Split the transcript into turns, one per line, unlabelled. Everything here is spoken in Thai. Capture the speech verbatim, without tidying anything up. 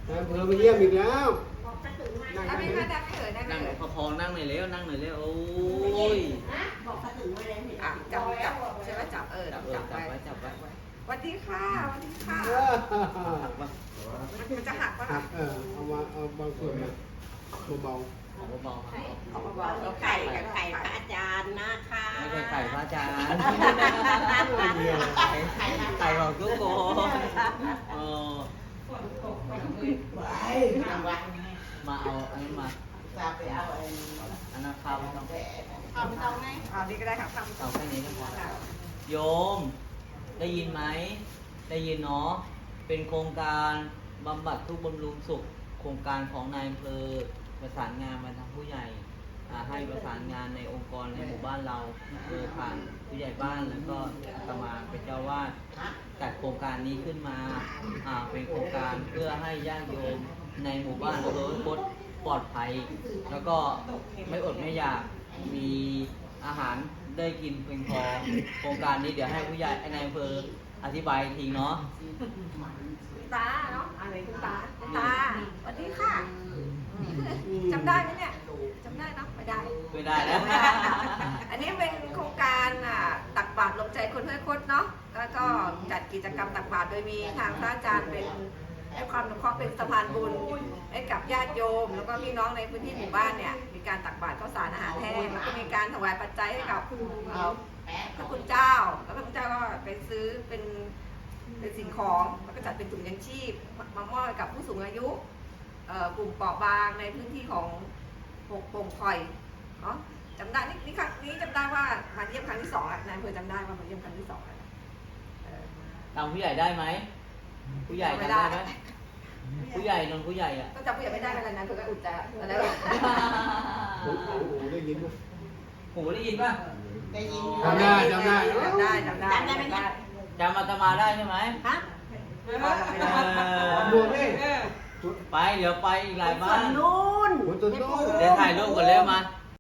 นายอำเภอมาเยี่ยมอีกแล้วนั่ง
นั่ง
นั่ง
ไม่ได้ไม่เอ่ยนั่ง
นั่ง
ไม่เอ่ย
ประคองนั่งหน่อยเร็วนั่งหน่อยเร็วโอ้ย
บอกเขาถึงไว้แล้วเห็น
อ่ะจับจับใช่ไหมจับเออ
จับเออ
จับ
จับ
ไว้
ไว้จับไว้
สวัสดีค่ะสวัสดีค่ะ
เออ
หักปะ
มันจะหักปะ
หั
คะ
กเออเอามาเอาบางส่วนมาเบา
ของเบาๆครับ
เอาเบาๆแล้ว
ไก่
ไก่
กั
กั
บบ ไก่
ไก่
พระอาจารย์นะคะ
ไม่ใช่ไก่พระอาจารย์
ๆเดียว
ไก่ของทุกคนเออ
ไว้ทำวัด
มาเอาอันนี้มา
จะไปเอาไอ้
อันนั้นข้าวไม่ต้อง
ทำตรงไหน
อ่านี่ก็ได้ค่ะทำ
เอาแค่นี้ก็พอโยม ได้ยินไหมได้ยินเนาะเป็นโครงการบำบัดทุกข์บำรุงสุข โครงการของนายอำเภอประสานงานมาทางผู้ใหญ่อ่าให้ประสานงานในองค์กรในหมู่บ้านเราโดยผ่านผู้ใหญ่บ้านแล้วก็อาตมาเป็นเจ้าวาดจัดโครงการนี้ขึ้นมาอ่าเป็นโครงการเพื่อให้ญาติโยมในหมู่บ้านโดยบดปลอดภัย แล้วก็ไม่อดไม่อยากมีอาหารได้กินเพียงพอโครงการนี้เดี๋ยวให้ผู้ใหญ่ในอำเภออธิบายทีเนาะ
คุณตาเนาะอะไรคุณตาคุณตาสวัสดีค่ะจำได้ไหมเนี่ยจำได้เนาะไม่ได้
ไม่ได้แล้ว
อันนี้เป็นโครงการอ่ะตักบาตรลงใจคนห้วยคดเนาะแล้วก็จัดกิจกรรมตักบาตรโดยมีทางพระอาจารย์เป็นให้ความอนุเคราะห์เป็นสะพานบุญให้กับญาติโยม แล้วก็พี่น้องในพื้นที่หมู่บ้านเนี่ยมีการตักบาตรข้าวสารอาหารแห้งแล้วก็มีการถวายปัจจัยให้กับเอ่อพระคุณเจ้าแล้วพระคุณเจ้าก็ไปซื้อเป็นเป็นสิ่งของแล้วก็จัดเป็นถุงยังชีพมามอบให้กับผู้สูงอายุเอ่อกลุ่มเปราะบางในพื้นที่ของปกปงคอยเนาะจำได้นี่นี่ครั้งนี้จำได้ว่ามาเยี่ยมครั้งที่สองแล้วนายอำเภอจำได้ว่ามาเยี่ยมครั้งที่สองแล้วเออ
ตามผู้ใหญ่ได้ไหมผู้ใหญ่จำได้ไหมผู้ใหญ่นนผู้ใหญ่อ่ะ
ก็จำผู้ใหญ่ไม่ได้อะไรนะเธอก็อุจจาระอะไรวะ
โอ้โหได้ยินไหม
หูได้ยินป่ะ
ได้ยิน
จำได้จำได้
จำได้จำได้
จำได้ไหมเนี่ย
จำอาตมาได้ใช่ไหม
ฮะ
เอ
ตำร
อ
วจนี่
ไปเดี๋ยวไปอีกหลายบ้า
ส่วน นนู้น
คนต้นโต
เดี๋ยวถ่ายรูปก่อนเร็วมา